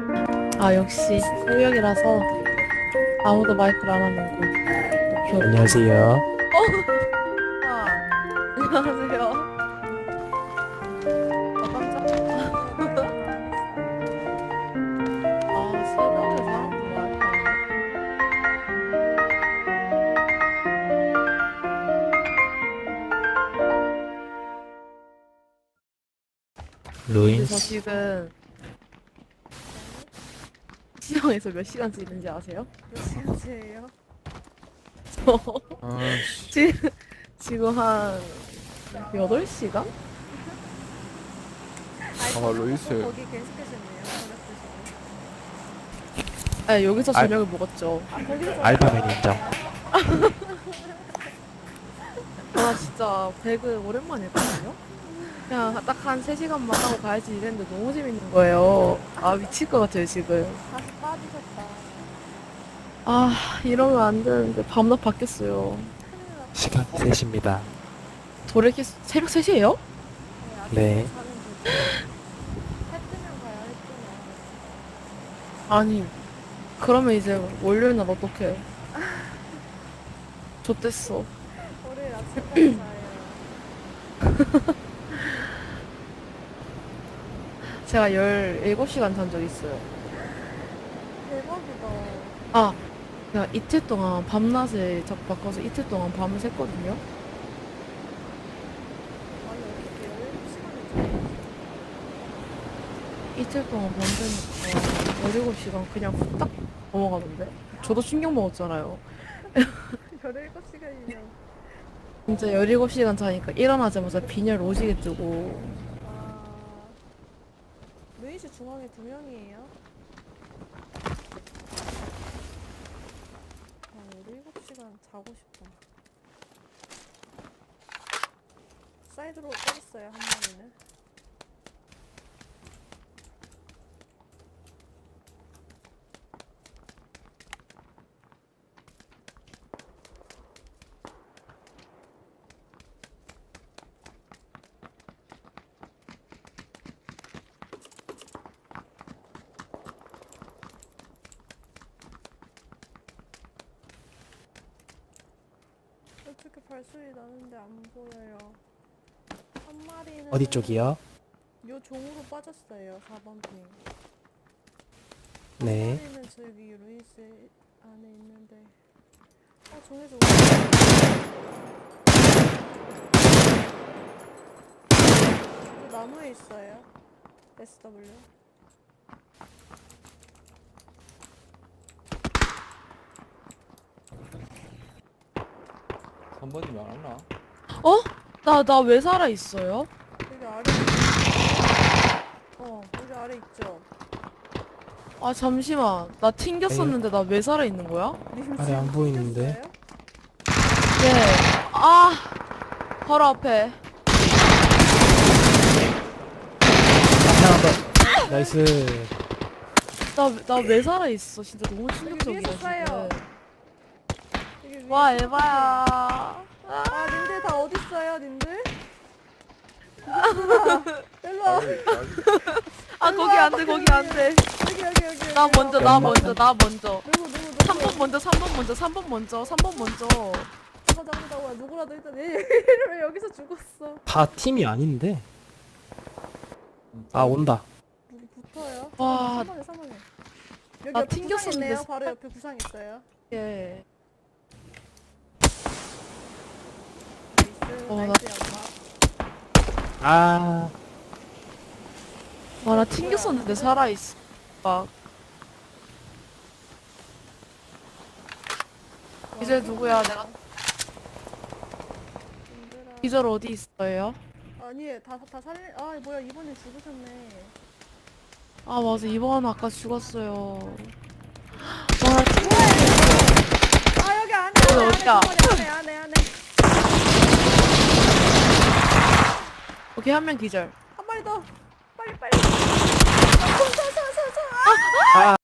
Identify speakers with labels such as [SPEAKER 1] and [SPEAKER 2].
[SPEAKER 1] 아, 역시 새벽이라서 아무도 마이크를 안 하는군. 또
[SPEAKER 2] 안녕하세요.
[SPEAKER 1] 아, 안녕하세요. 아, 깜짝. 아, 새벽에 사람들 마이크 안 해. 근데 저
[SPEAKER 2] 루인스.
[SPEAKER 1] 지금 시장에서 몇 시간째 있는지 아세요?
[SPEAKER 3] 몇 시간째예요?
[SPEAKER 1] 저
[SPEAKER 2] 아씨.
[SPEAKER 1] 지금 한 8시간?
[SPEAKER 2] 루이스.
[SPEAKER 3] 거기 계속하셨네요. 어렵으시네.
[SPEAKER 1] 아, 여기서
[SPEAKER 2] 알-
[SPEAKER 1] 저녁을 먹었죠.
[SPEAKER 3] 아 거기서
[SPEAKER 2] 알파맨 인정.
[SPEAKER 1] 아, 진짜 배그 오랜만에 했거든요? 그냥 딱 한 3시간만 하고 가야지 이랬는데 너무 재밌는 거예요. 아, 미칠 것 같아요, 지금.
[SPEAKER 3] 다시 빠지셨다.
[SPEAKER 1] 아, 이러면 안 되는데 밤낮 바뀌었어요.
[SPEAKER 3] 큰일 났다.
[SPEAKER 2] 시간 3시입니다.
[SPEAKER 1] 돌이키 새벽 3시에요?
[SPEAKER 2] 네.
[SPEAKER 3] 자면 되죠. 해 뜨면 가요. 해 뜨면.
[SPEAKER 1] 아니, 그러면 이제 월요일 날 어떡해. 좆됐어.
[SPEAKER 3] 월요일 아침까지 자요.
[SPEAKER 1] 제가 17시간 잔 적 있어요.
[SPEAKER 3] 대박이다.
[SPEAKER 1] 아, 제가 이틀 동안 밤낮에 자꾸 바꿔서 이틀 동안 밤을 샜거든요.
[SPEAKER 3] 아니 어떻게 17시간을 자요?
[SPEAKER 1] 이틀 동안 밤 새니까 17시간 그냥 후딱 넘어가던데. 저도 충격 먹었잖아요.
[SPEAKER 3] 17시간이면.
[SPEAKER 1] 진짜 17시간 자니까 일어나자마자 빈혈 오지게 뜨고.
[SPEAKER 3] 아. 루이스 중앙에 2명이에요? 아, 17시간 자고 싶다. 사이드로 때렸어요, 한 마리는. 어떻게 발소리 나는데 안 보여요. 한 마리는
[SPEAKER 2] 어디 쪽이요?
[SPEAKER 3] 요 종으로 빠졌어요. 4번 핑.
[SPEAKER 2] 네.
[SPEAKER 3] 한 마리는 저기 루이스 안에 있는데. 종에서 그 나무에 있어요. SW.
[SPEAKER 4] 한 번이면 안 왔나?
[SPEAKER 1] 어? 나 왜 살아있어요?
[SPEAKER 3] 여기 아래. 여기 아래 있죠.
[SPEAKER 1] 아, 잠시만. 나 튕겼었는데 나 왜 살아있는 거야?
[SPEAKER 3] 님
[SPEAKER 2] 아래
[SPEAKER 3] 지금
[SPEAKER 2] 안 보이는데?
[SPEAKER 3] 튕겼어요?
[SPEAKER 1] 네. 아, 바로 앞에.
[SPEAKER 2] 하나 더. 나이스.
[SPEAKER 1] 나 왜 살아있어? 진짜 너무
[SPEAKER 3] 여기
[SPEAKER 1] 충격적이야,
[SPEAKER 3] 위에서 쏴요.
[SPEAKER 1] 지금.
[SPEAKER 3] 여기 위에
[SPEAKER 1] 와,
[SPEAKER 3] 쏘세요.
[SPEAKER 1] 에바야.
[SPEAKER 3] 아, 님들 다 어디 있어요, 님들? 일로 와.
[SPEAKER 1] 아, 거기 안 돼, 거기 안 돼.
[SPEAKER 3] 여기.
[SPEAKER 1] 나 먼저, 나
[SPEAKER 2] 연막.
[SPEAKER 1] 먼저, 나 먼저.
[SPEAKER 3] 누구?
[SPEAKER 1] 3번 먼저, 3번 먼저, 3번 먼저, 3번 먼저.
[SPEAKER 3] 잡아. 누구라도 일단 왜 여기서 죽었어?
[SPEAKER 2] 다 팀이 아닌데. 아 온다.
[SPEAKER 3] 누구 붙어요?
[SPEAKER 1] 와.
[SPEAKER 3] 3번에. 여기
[SPEAKER 1] 나
[SPEAKER 3] 옆에 구상
[SPEAKER 1] 튕겼었는데
[SPEAKER 3] 있네요. 바로 옆에 구상 있어요.
[SPEAKER 1] 예.
[SPEAKER 3] 나이스.
[SPEAKER 1] 나-
[SPEAKER 3] 나이스 연마.
[SPEAKER 2] 아
[SPEAKER 1] 와, 나 튕겼었는데 살아있어. 막. 이제 누구야? 내가
[SPEAKER 3] 님들아.
[SPEAKER 1] 기절 어디 있어요?
[SPEAKER 3] 아니, 다 살리. 아, 뭐야, 이번에 죽으셨네.
[SPEAKER 1] 아, 맞아. 이번 아까 죽었어요. 와, 나 튕겨.
[SPEAKER 3] 아, 여기 안에.
[SPEAKER 1] 어디야?
[SPEAKER 3] 안에.
[SPEAKER 1] 오케이, 한 명 기절.
[SPEAKER 3] 한 마리 더. 빨리.
[SPEAKER 2] 아.